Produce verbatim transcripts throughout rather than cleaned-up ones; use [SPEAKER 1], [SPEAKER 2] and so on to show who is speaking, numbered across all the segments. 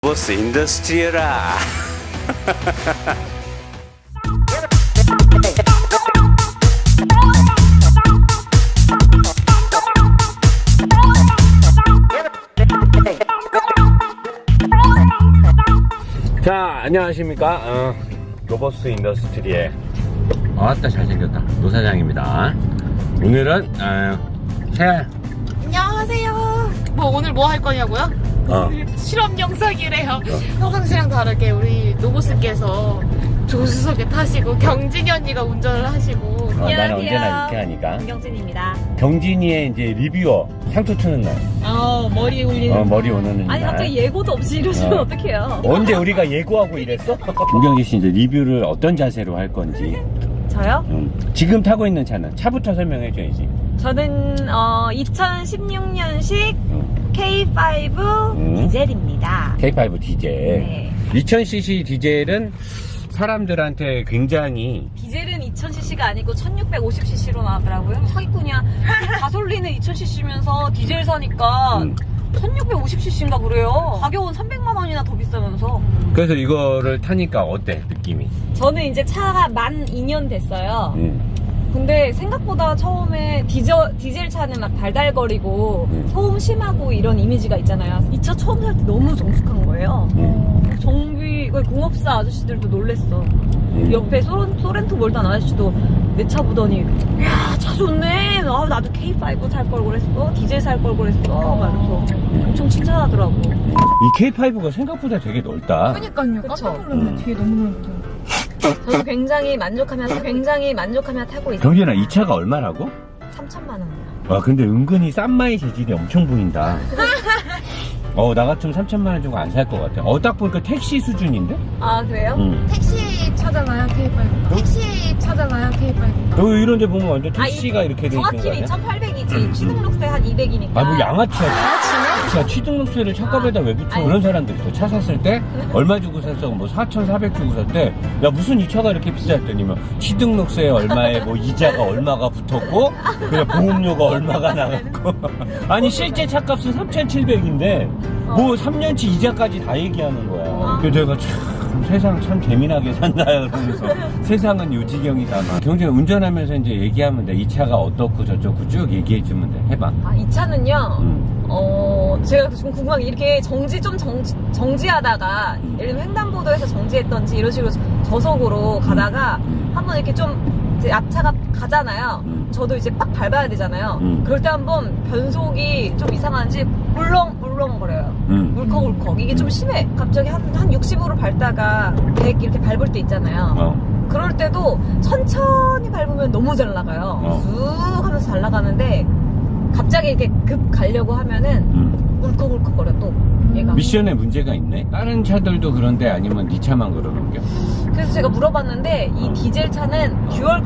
[SPEAKER 1] 로보스 인더스트리얼아.
[SPEAKER 2] 자, 안녕하십니까. 어, 로버스 인더스트리의 아따 잘생겼다 노사장입니다. 오늘은 어, 새
[SPEAKER 3] 안녕하세요. 뭐 오늘 뭐 할 거냐고요?
[SPEAKER 2] 어.
[SPEAKER 3] 실험 영상이래요. 평상시랑 다르게 우리 노보스께서 조수석에 타시고 경진이 언니가 운전을 하시고.
[SPEAKER 2] 어, 나는 언제나 이렇게 하니까.
[SPEAKER 3] 김경진입니다.
[SPEAKER 2] 경진이의 이제 리뷰어 상투 트는 날.
[SPEAKER 3] 어 머리 올리는.
[SPEAKER 2] 어, 머리 오는 날.
[SPEAKER 4] 아니 갑자기 예고도 없이 이러시면
[SPEAKER 2] 어.
[SPEAKER 4] 어떡해요?
[SPEAKER 2] 언제 우리가 예고하고 이랬어? 김경진 씨 이제 리뷰를 어떤 자세로 할 건지.
[SPEAKER 4] 저요?
[SPEAKER 2] 음. 지금 타고 있는 차는 차부터 설명해줘야지.
[SPEAKER 4] 저는 어, 이천십육 년식
[SPEAKER 2] 음.
[SPEAKER 4] 케이 파이브
[SPEAKER 2] 음.
[SPEAKER 4] 디젤입니다.
[SPEAKER 2] 케이 파이브 디젤.
[SPEAKER 4] 네.
[SPEAKER 2] 이천 씨씨 디젤은 사람들한테 굉장히
[SPEAKER 4] 디젤은 이천 씨씨가 아니고 천육백오십 씨씨로 나왔더라고요. 사기꾼이야. 가솔린은 이천 씨씨면서 디젤 사니까
[SPEAKER 2] 음.
[SPEAKER 4] 천육백오십 씨씨인가 그래요. 가격은 삼백만 원이나 더 비싸면서.
[SPEAKER 2] 그래서 이거를 타니까 어때 느낌이?
[SPEAKER 4] 저는 이제 차가 만 이 년 됐어요.
[SPEAKER 2] 음.
[SPEAKER 4] 근데 생각보다 처음에 디젤, 디젤 차는 막 달달거리고
[SPEAKER 2] 음.
[SPEAKER 4] 소음 심하고 이런 이미지가 있잖아요. 이 차 처음 살 때 너무 정숙한 거예요.
[SPEAKER 2] 음.
[SPEAKER 4] 정비 공업사 아저씨들도 놀랬어.
[SPEAKER 2] 음.
[SPEAKER 4] 옆에 소렌, 소렌토 몰던 아저씨도 내 차 보더니 야, 차 좋네. 아, 나도 케이 파이브 살 걸 그랬어. 디젤 살 걸 그랬어. 말면서 엄청 칭찬하더라고.
[SPEAKER 2] 이 케이 파이브가 생각보다 되게 넓다.
[SPEAKER 3] 그러니까요. 깜짝 놀랐네.
[SPEAKER 2] 음.
[SPEAKER 3] 뒤에 너무 넓다.
[SPEAKER 4] 저는 굉장히 만족하면서 굉장히 만족하며 타고 있어요.
[SPEAKER 2] 경진아 이 차가 얼마라고?
[SPEAKER 4] 삼천만 원이요.
[SPEAKER 2] 와 근데 은근히 싼마의 재질이 엄청 보인다. 어 나 같으면 삼천만 원 주고 안 살 것 같아. 어 딱 보니까 택시 수준인데?
[SPEAKER 4] 아, 그래요?
[SPEAKER 2] 응.
[SPEAKER 3] 택시 차잖아요 케이 파이브. 택시 차잖아요 케이 파이브.
[SPEAKER 2] 너 이런 데 보면 완전
[SPEAKER 4] 아,
[SPEAKER 2] 택시가
[SPEAKER 4] 이-
[SPEAKER 2] 이렇게 돼 있는 거
[SPEAKER 4] 정확히는
[SPEAKER 2] 아니야?
[SPEAKER 4] 이천팔백이지. 취등록세 한 이백이니까.
[SPEAKER 2] 아 뭐 양아치야. 야 취등록세를 차값에다 왜 붙여?
[SPEAKER 4] 아니.
[SPEAKER 2] 그런 사람들 있어. 차 샀을 때 얼마 주고 샀어? 뭐 사천사백 주고 샀대. 야 무슨 이 차가 이렇게 비쌌더니 뭐 취등록세 얼마에 뭐 이자가 얼마가 붙었고 그냥 보험료가 얼마가 나갔고 아니 실제 차값은 삼천칠백인데 뭐 삼 년치 이자까지 다 얘기하는 거야. 그래서 내가 참 세상 참 재미나게 산다 그러면서 세상은 요지경이다 막. 경진 운전하면서 이제 얘기하면 돼. 이 차가 어떻고 저쩌고 쭉 얘기해 주면 돼. 해봐.
[SPEAKER 4] 아, 이 차는요,
[SPEAKER 2] 음.
[SPEAKER 4] 어, 제가 지금 궁금한 게 이렇게 정지, 좀 정지, 정지하다가, 예를 들면 횡단보도에서 정지했던지 이런 식으로 저속으로 가다가
[SPEAKER 2] 음.
[SPEAKER 4] 한번 이렇게 좀 이제 앞차가 가잖아요.
[SPEAKER 2] 음.
[SPEAKER 4] 저도 이제 빡 밟아야 되잖아요.
[SPEAKER 2] 음.
[SPEAKER 4] 그럴 때 한번 변속이 좀 이상한지 물렁물렁 거려요.
[SPEAKER 2] 음.
[SPEAKER 4] 울컥울컥. 이게 좀 심해. 갑자기 한, 한 육십으로 밟다가 백 이렇게 밟을 때 있잖아요.
[SPEAKER 2] 어.
[SPEAKER 4] 그럴 때도 천천히 밟으면 너무 잘 나가요.
[SPEAKER 2] 어.
[SPEAKER 4] 쑥 하면서 잘 나가는데 갑자기 이렇게 급 가려고 하면은
[SPEAKER 2] 음.
[SPEAKER 4] 울컥울컥거려 또 얘가.
[SPEAKER 2] 미션에 문제가 있네. 다른 차들도 그런데 아니면 네 차만 그러는 게?
[SPEAKER 4] 그래서 제가 물어봤는데 이 디젤 차는 듀얼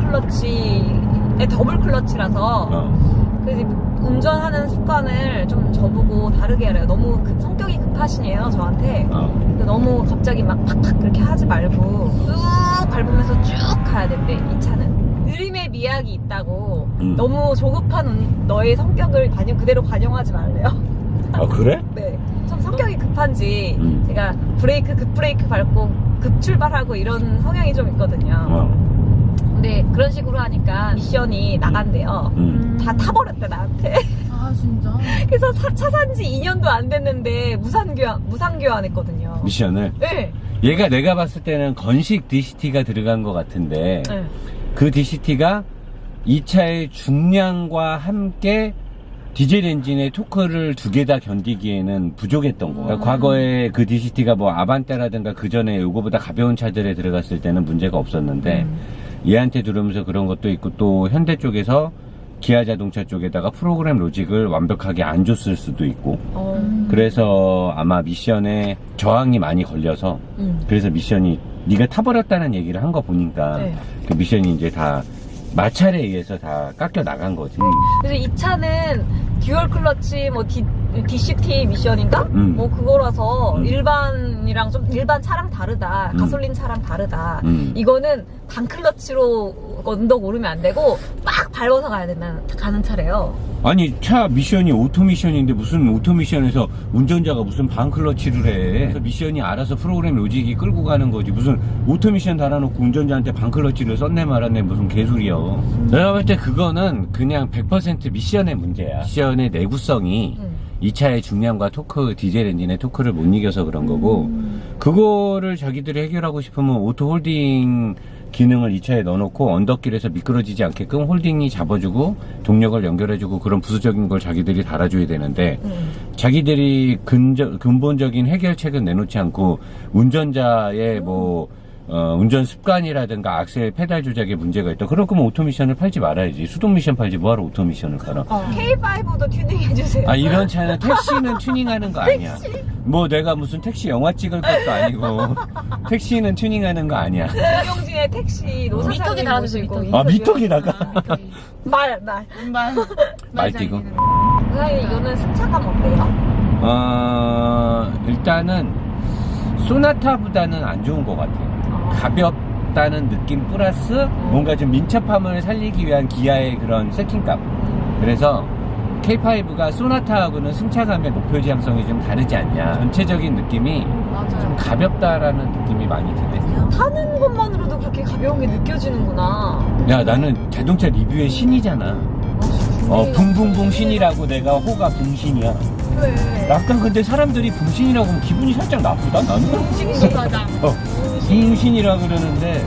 [SPEAKER 4] 클러치에 더블 클러치라서
[SPEAKER 2] 어.
[SPEAKER 4] 그래서 운전하는 습관을 좀 저보고 다르게 하래요. 너무 급- 성격이 급하시네요 저한테.
[SPEAKER 2] 어.
[SPEAKER 4] 근데 너무 갑자기 막 팍팍 그렇게 하지 말고 쑥 밟으면서 쭉 가야 된대 이 차는. 느림의 미학이 있다고.
[SPEAKER 2] 음.
[SPEAKER 4] 너무 조급한 운- 너의 성격을 반영 그대로 반영하지 말래요.
[SPEAKER 2] 아 그래?
[SPEAKER 4] 네. 좀 성격이 급한지
[SPEAKER 2] 음.
[SPEAKER 4] 제가 브레이크 급 브레이크 밟고 급 출발하고 이런 성향이 좀 있거든요.
[SPEAKER 2] 어.
[SPEAKER 4] 근데 그런 식으로 하니까 미션이 나간대요.
[SPEAKER 2] 음.
[SPEAKER 4] 다 타버렸대 나한테.
[SPEAKER 3] 아 진짜.
[SPEAKER 4] 그래서 차, 차 산지 이 년도 안 됐는데 무상교환 무상교환했거든요.
[SPEAKER 2] 미션을.
[SPEAKER 4] 네.
[SPEAKER 2] 얘가 내가 봤을 때는 건식 디시티가 들어간 것 같은데
[SPEAKER 4] 네.
[SPEAKER 2] 그 디시티가 이 차의 중량과 함께 디젤 엔진의 토크를 두 개 다 견디기에는 부족했던 거. 그러니까 과거에 그 디시티가 뭐 아반떼라든가 그 전에 요거보다 가벼운 차들에 들어갔을 때는 문제가 없었는데
[SPEAKER 4] 음.
[SPEAKER 2] 얘한테 들으면서 그런 것도 있고 또 현대 쪽에서 기아 자동차 쪽에다가 프로그램 로직을 완벽하게 안 줬을 수도 있고
[SPEAKER 4] 어.
[SPEAKER 2] 그래서 아마 미션에 저항이 많이 걸려서
[SPEAKER 4] 음.
[SPEAKER 2] 그래서 미션이 네가 타버렸다는 얘기를 한 거 보니까
[SPEAKER 4] 네.
[SPEAKER 2] 그 미션이 이제 다 마찰에 의해서 다 깎여 나간 거지.
[SPEAKER 4] 그래서 이 차는 듀얼 클러치 뭐 디, 디씨티 미션인가?
[SPEAKER 2] 음.
[SPEAKER 4] 뭐 그거라서
[SPEAKER 2] 음.
[SPEAKER 4] 일반이랑 좀 일반 차랑 다르다.
[SPEAKER 2] 음.
[SPEAKER 4] 가솔린 차랑 다르다.
[SPEAKER 2] 음.
[SPEAKER 4] 이거는 단 클러치로 언덕 오르면 안 되고 막 밟아서 가야 된다는 가는 차래요.
[SPEAKER 2] 아니 차 미션이 오토 미션인데 무슨 오토 미션에서 운전자가 무슨 반클러치를 해. 그래서 미션이 알아서 프로그램 로직이 끌고 가는 거지. 무슨 오토 미션 달아놓고 운전자한테 반클러치를 썼네 말았네 무슨 개소리야. 내가 볼 때 그거는 그냥 백 퍼센트 미션의 문제야. 미션의 내구성이
[SPEAKER 4] 음.
[SPEAKER 2] 이 차의 중량과 토크, 디젤 엔진의 토크를 못 이겨서 그런 거고, 그거를 자기들이 해결하고 싶으면 오토 홀딩 기능을 이 차에 넣어놓고 언덕길에서 미끄러지지 않게끔 홀딩이 잡아주고 동력을 연결해주고 그런 부수적인 걸 자기들이 달아줘야 되는데,
[SPEAKER 4] 음.
[SPEAKER 2] 자기들이 근저, 근본적인 해결책은 내놓지 않고 운전자의 뭐 어, 운전 습관이라든가 악셀 페달 조작에 문제가 있다. 그럴 거면 오토 미션을 팔지 말아야지. 수동 미션 팔지 뭐하러 오토 미션을 팔아.
[SPEAKER 4] 어, 케이 파이브도 튜닝해주세요.
[SPEAKER 2] 아, 이런 차는 택시는 튜닝하는 거 아니야. 뭐 내가 무슨 택시 영화 찍을 것도 아니고 택시는 튜닝하는 거 아니야.
[SPEAKER 4] 김용진의 택시 노사장님
[SPEAKER 3] 미터기 달아주세요,
[SPEAKER 4] 모시고
[SPEAKER 3] 미터기.
[SPEAKER 2] 아, 미터기다가
[SPEAKER 4] 말, 말.
[SPEAKER 3] 말
[SPEAKER 2] 말띠고.
[SPEAKER 4] 사장님 이거는 승차감 어때요?
[SPEAKER 2] 어, 일단은 소나타보다는 안 좋은 것 같아요. 가볍다는 느낌 플러스 뭔가 좀 민첩함을 살리기 위한 기아의 그런 세팅감. 그래서 케이 파이브가 소나타하고는 승차감의 목표 지향성이 좀 다르지 않냐. 전체적인 느낌이 좀
[SPEAKER 3] 맞아요.
[SPEAKER 2] 가볍다라는 느낌이 많이 드네.
[SPEAKER 4] 타는 것만으로도 그렇게 가벼운 게 느껴지는구나.
[SPEAKER 2] 야, 나는 자동차 리뷰의 신이잖아. 어, 붕붕붕 신이라고 내가 호가 붕신이야.
[SPEAKER 4] 왜?
[SPEAKER 2] 약간 근데 사람들이 붕신이라고 하면 기분이 살짝 나쁘다, 나는?
[SPEAKER 3] 싱싱하다.
[SPEAKER 2] 어, 붕신이라 그러는데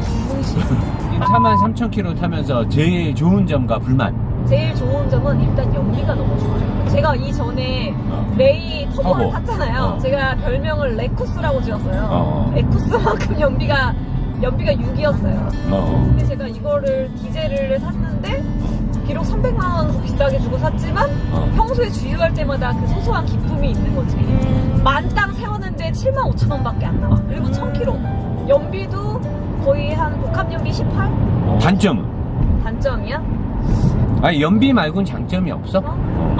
[SPEAKER 2] 사만 삼천 킬로미터 타면서 제일 좋은 점과 불만.
[SPEAKER 4] 제일 좋은 점은 일단 연비가 너무 좋아요. 제가 이전에
[SPEAKER 2] 어.
[SPEAKER 4] 레이 터보를
[SPEAKER 2] 터보.
[SPEAKER 4] 탔잖아요.
[SPEAKER 2] 어.
[SPEAKER 4] 제가 별명을 레쿠스라고 지었어요.
[SPEAKER 2] 어.
[SPEAKER 4] 레쿠스만큼 연비가 연비가 육이었어요.
[SPEAKER 2] 어.
[SPEAKER 4] 근데 제가 이거를 디젤을 샀는데 비록 삼백만 원 더 비싸게 주고 샀지만
[SPEAKER 2] 어.
[SPEAKER 4] 평소에 주유할 때마다 그 소소한 기쁨이 있는 거지. 만땅 세웠는데 칠만 오천 원밖에 안 나와. 그리고 천 킬로미터. 연비도 거의 한 복합 연비 십팔?
[SPEAKER 2] 단점은?
[SPEAKER 4] 단점이야?
[SPEAKER 2] 아니, 연비 말고는 장점이 없어? 어.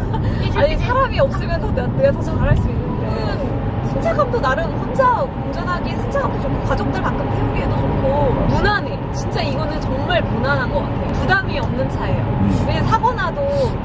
[SPEAKER 4] 아니 사람이 없으면 더 내- 내가 더 잘할 수 있는데 승차감도 나름 혼자 운전하기에 승차감도 좋고 가족들 가끔 태우기에도 좋고 무난해. 진짜 이거는 정말 무난한 것 같아요. 부담이 없는 차예요.
[SPEAKER 2] 음.
[SPEAKER 4] 왜냐면 사고 나도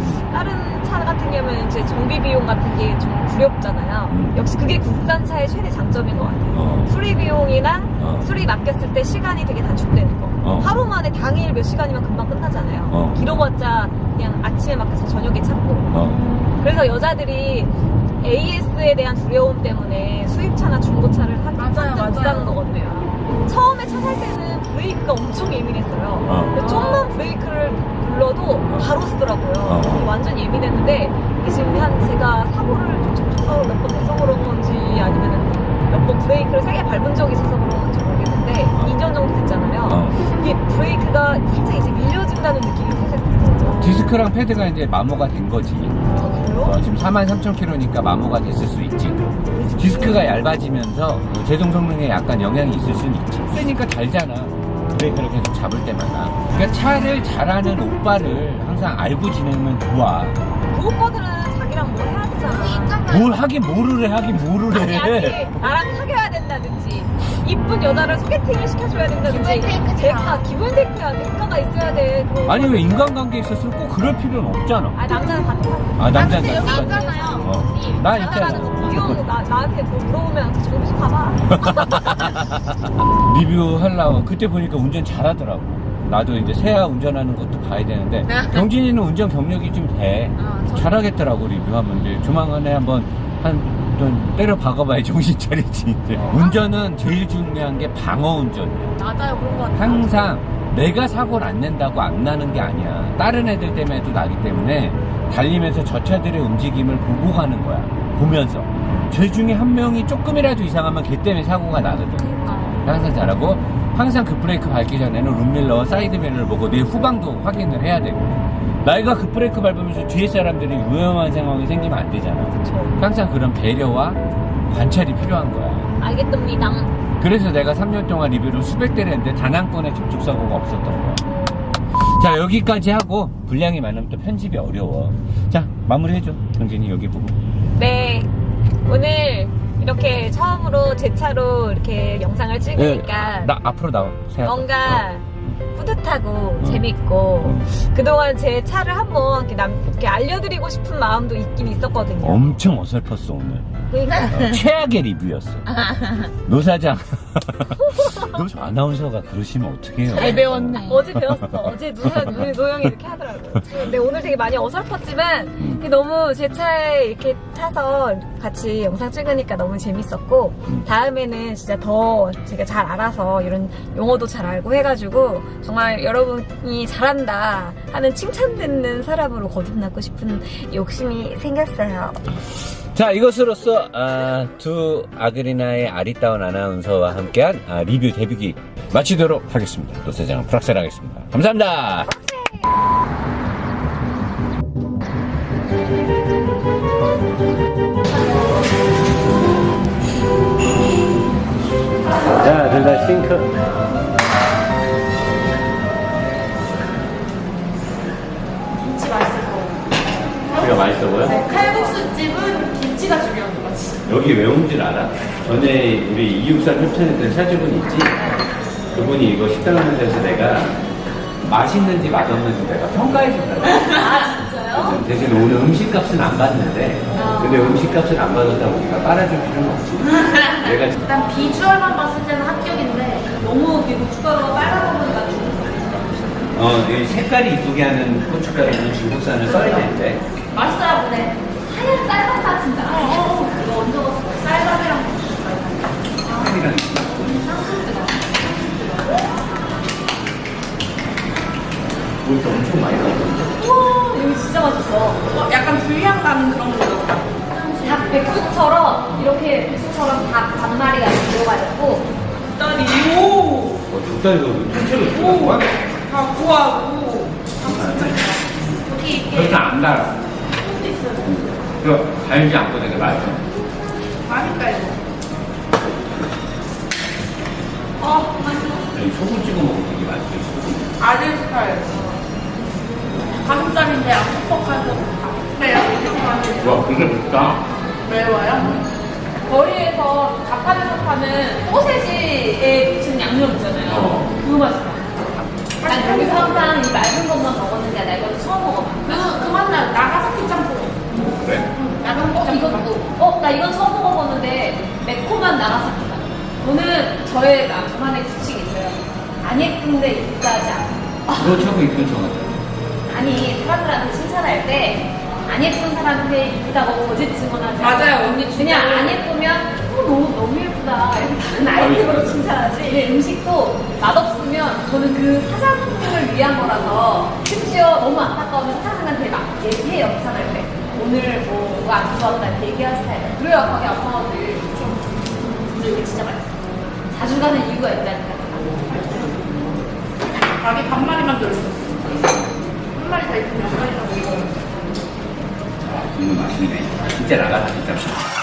[SPEAKER 4] 다른 차 같은 경우는 이제 정비 비용 같은 게 좀 두렵잖아요.
[SPEAKER 2] 음.
[SPEAKER 4] 역시 그게 국산차의 최대 장점인 것 같아요.
[SPEAKER 2] 어.
[SPEAKER 4] 수리 비용이랑
[SPEAKER 2] 어.
[SPEAKER 4] 수리 맡겼을 때 시간이 되게 단축되는 거.
[SPEAKER 2] 어.
[SPEAKER 4] 하루 만에 당일 몇 시간이면 금방 끝나잖아요.
[SPEAKER 2] 어.
[SPEAKER 4] 길어봤자 그냥 아침에 맡겨서 저녁에 찾고.
[SPEAKER 2] 어.
[SPEAKER 4] 그래서 여자들이 에이에스에 대한 두려움 때문에 수입차나 중고차를 하기
[SPEAKER 3] 맞아요,
[SPEAKER 4] 못 사는
[SPEAKER 3] 맞아요.
[SPEAKER 4] 거거든요. 처음에 차 살 때는 브레이크가 엄청 예민했어요.
[SPEAKER 2] 어.
[SPEAKER 4] 근데 좀만 브레이크를 눌러도 바로 쓰더라고요.
[SPEAKER 2] 어.
[SPEAKER 4] 완전 예민했는데 이게 지금 한 제가 사고를 좀 적극적으로 몇 번 내서 그런 건지 아니면 몇 번 브레이크를 세게 밟은 적이 있어서 그런 건지 모르겠는데
[SPEAKER 2] 어.
[SPEAKER 4] 이 년 정도 됐잖아요.
[SPEAKER 2] 어.
[SPEAKER 4] 이게 브레이크가 살짝 이제 밀려진다는 느낌이 살짝 들어요.
[SPEAKER 2] 디스크랑 패드가 이제 마모가 된 거지.
[SPEAKER 4] 아, 그래요?
[SPEAKER 2] 어, 지금 사만 삼천 킬로미터니까 마모가 됐을 수 있지. 디스크가 얇아지면서 뭐 제동 성능에 약간 영향이 있을 수는 있지. 세니까 달잖아. 브레이크를 계속 잡을 때마다. 그러니까 차를 잘하는 오빠를 항상 알고 지내면 좋아.
[SPEAKER 4] 그 오빠들은 자기랑 뭘 해야 되잖아.
[SPEAKER 2] 뭘 하긴 뭐를 해, 하긴 뭐를
[SPEAKER 4] 아니,
[SPEAKER 2] 해.
[SPEAKER 4] 아니, 나랑 사귀어야 된다든지, 이쁜 여자를 소개팅을 시켜줘야 된다든지.
[SPEAKER 3] 기본 테이크지.
[SPEAKER 4] 대가, 기본 테이크야. 대가가 있어야 돼. 그
[SPEAKER 2] 아니,
[SPEAKER 4] 오빠들.
[SPEAKER 2] 왜 인간관계에 있었으면 꼭 그럴 필요는 없잖아.
[SPEAKER 4] 아, 남자는 다 똑같아.
[SPEAKER 2] 아, 남자는
[SPEAKER 3] 근데 여기
[SPEAKER 2] 다
[SPEAKER 3] 있잖아요.
[SPEAKER 2] 어.
[SPEAKER 3] 이
[SPEAKER 2] 나
[SPEAKER 3] 잘 나가는
[SPEAKER 2] 있잖아.
[SPEAKER 3] 거.
[SPEAKER 4] 이 형, 나, 나한테 뭐 물어보면 그 정비소 가봐.
[SPEAKER 2] 리뷰하려고 그때 보니까 운전 잘하더라고. 나도 이제 새야 운전하는 것도 봐야 되는데 경진이는 운전 경력이 좀 돼.
[SPEAKER 3] 아, 저-
[SPEAKER 2] 잘하겠더라고 리뷰하면. 이제 조만간에 한번 한 좀 때려 박아봐야 정신 차리지. 이제. 운전은 제일 중요한 게 방어 운전이야.
[SPEAKER 3] 맞아요, 그런 거 같아요.
[SPEAKER 2] 항상 내가 사고를 안 낸다고 안 나는 게 아니야. 다른 애들 때문에도 나기 때문에 달리면서 저 차들의 움직임을 보고 가는 거야. 보면서. 쟤 중에 한 명이 조금이라도 이상하면 걔 때문에 사고가 나거든.
[SPEAKER 3] 그러니까.
[SPEAKER 2] 항상 잘하고 항상 그 브레이크 밟기 전에는 룸밀러 사이드미러를 보고 내 후방도 확인을 해야 되고 나이가 그 브레이크 밟으면서 뒤에 사람들이 위험한 상황이 생기면 안 되잖아. 항상 그런 배려와 관찰이 필요한 거야.
[SPEAKER 4] 알겠답니다.
[SPEAKER 2] 그래서 내가 삼 년 동안 리뷰를 수백 대를 했는데 단 한 건의 접촉사고가 없었던 거야. 자, 여기까지 하고 분량이 많으면 또 편집이 어려워. 자, 마무리해줘. 경진이 여기 보고.
[SPEAKER 4] 네. 오늘 이렇게 처음으로 제 차로 이렇게 영상을 찍으니까
[SPEAKER 2] 나 앞으로 나와. 세아.
[SPEAKER 4] 뭔가 뿌듯하고 재밌고 그동안 제 차를 한번 이렇게 남, 이렇게 알려드리고 싶은 마음도 있긴 있었거든요.
[SPEAKER 2] 엄청 어설펐어 오늘.
[SPEAKER 4] 그러니까
[SPEAKER 2] 어, 최악의 리뷰였어. 노 사장. 너 아나운서가 그러시면 어떡해요?
[SPEAKER 3] 잘 배웠네.
[SPEAKER 4] 어제 배웠어. 어제 노영, 우리 노영이 이렇게 하더라고. 근데 오늘 되게 많이 어설펐지만 이게 너무 제 차에 이렇게 타서 같이 영상 찍으니까 너무 재밌었고 다음에는 진짜 더 제가 잘 알아서 이런 용어도 잘 알고 해가지고 정말 여러분이 잘한다 하는 칭찬 듣는 사람으로 거듭나고 싶은 욕심이 생겼어요.
[SPEAKER 2] 자, 이것으로써 아, 두 아그리나의 아리따운 아나운서와 함께한 아, 리뷰 데뷔기 마치도록 하겠습니다. 노 사장 프락셀하겠습니다. 감사합니다. 자, 둘 다 싱크.
[SPEAKER 3] 김치 맛있을 거.
[SPEAKER 2] 이거 맛있어 보여?
[SPEAKER 3] 칼국수 집은 김치가 중요한 거지.
[SPEAKER 2] 여기 왜 온 줄 알아? 전에 우리 이육삼 협찬했던 차주분 있지? 그분이 이거 식당 하는 데서 내가 맛있는지 맛없는지 내가 평가해 준다고.
[SPEAKER 4] 아 진짜요?
[SPEAKER 2] 대신 오늘 음식값은 안 받는데 근데 음식값을 안 받았다고 우리가 빨아줄 필요는 없지. 내가
[SPEAKER 3] 일단 비주얼만 봤을 때는 합격인데
[SPEAKER 4] 너무 이렇게 고춧가루가 빨간 거보니까
[SPEAKER 2] 어, 이 색깔이 이쁘게 하는 고춧가루는 중국산을 써야 되는데
[SPEAKER 4] 맛있어요. 근데 하얀 쌀밥다 진짜. 어, 이거 언제 먹었어? 쌀밥이랑
[SPEAKER 2] 색깔이랑 이거 엄청 많이 나오던데.
[SPEAKER 4] 우와 여기 진짜 맛있어.
[SPEAKER 3] 어, 약간 불향 나는 그런 거다.
[SPEAKER 4] 닭 백숙처럼 이렇게 백숙처럼 닭 반마리가 들어가 있고
[SPEAKER 3] 딸이 오,
[SPEAKER 2] 어, 닭다리가 통째로 들어간 거야?
[SPEAKER 3] 다 구하고
[SPEAKER 4] 여기 이렇게
[SPEAKER 2] 그렇게 안 달아.
[SPEAKER 3] 할수 있어요.
[SPEAKER 2] 이거 달지 않고 되게 맛있어.
[SPEAKER 3] 맛있다 이거. 어, 맛있어.
[SPEAKER 2] 이 소금 찍어 먹으면 되게 맛있어.
[SPEAKER 3] 아들 스타일. 가슴살인데 안 퍽퍽하고 매워.
[SPEAKER 2] 와, 근데 맵다.
[SPEAKER 3] 매워요? 거리에서 자판에서 파는 소세지에 붙인 양념 있잖아요.
[SPEAKER 2] 어.
[SPEAKER 3] 그거 맛있어.
[SPEAKER 4] 난 여기서 항상 이 맑은 것만 먹었는데 나 이거 처음 먹어봐.
[SPEAKER 3] 그, 그 맛나 나가사키 짬뽕.
[SPEAKER 2] 그래?
[SPEAKER 3] 나가사키
[SPEAKER 4] 어,
[SPEAKER 3] 짬뽕.
[SPEAKER 4] 이것도. 어, 나 이건 처음 먹어봤는데 매콤한 나가사키다. 저는 저의 나- 저만의 규칙이 있어요. 안 예쁜데 이쁘다 하지 않아.
[SPEAKER 2] 너 자꾸 이쁜 척 하잖아.
[SPEAKER 4] 아니 사람들한테 칭찬할 때 안 예쁜 사람한테 이쁘다고 거짓 증언하지 않아.
[SPEAKER 3] 맞아요, 언니
[SPEAKER 4] 그냥
[SPEAKER 3] 진짜.
[SPEAKER 4] 안 예쁘면 어, 너무 너무 예쁘다 이렇게 다른 아이템으로 칭찬하지. 이 음식도 맛없으면 저는 그 사장님을 위한 거라서 심지어 너무 안타까우면 사장님한테 막 얘기해 영상할 때 오늘 뭐가 안 좋았다 이렇게 얘기할 스타일. 그래야 가게 아파가지. 근데 이게 진짜 맛있어. 자주 가는 이유가 있다니까.
[SPEAKER 3] 가게 반마리만 들었어. 한 마리 다 있으면 한 마리 다 먹어.
[SPEAKER 2] 이거 맛있네. 진짜 나가사 진짜.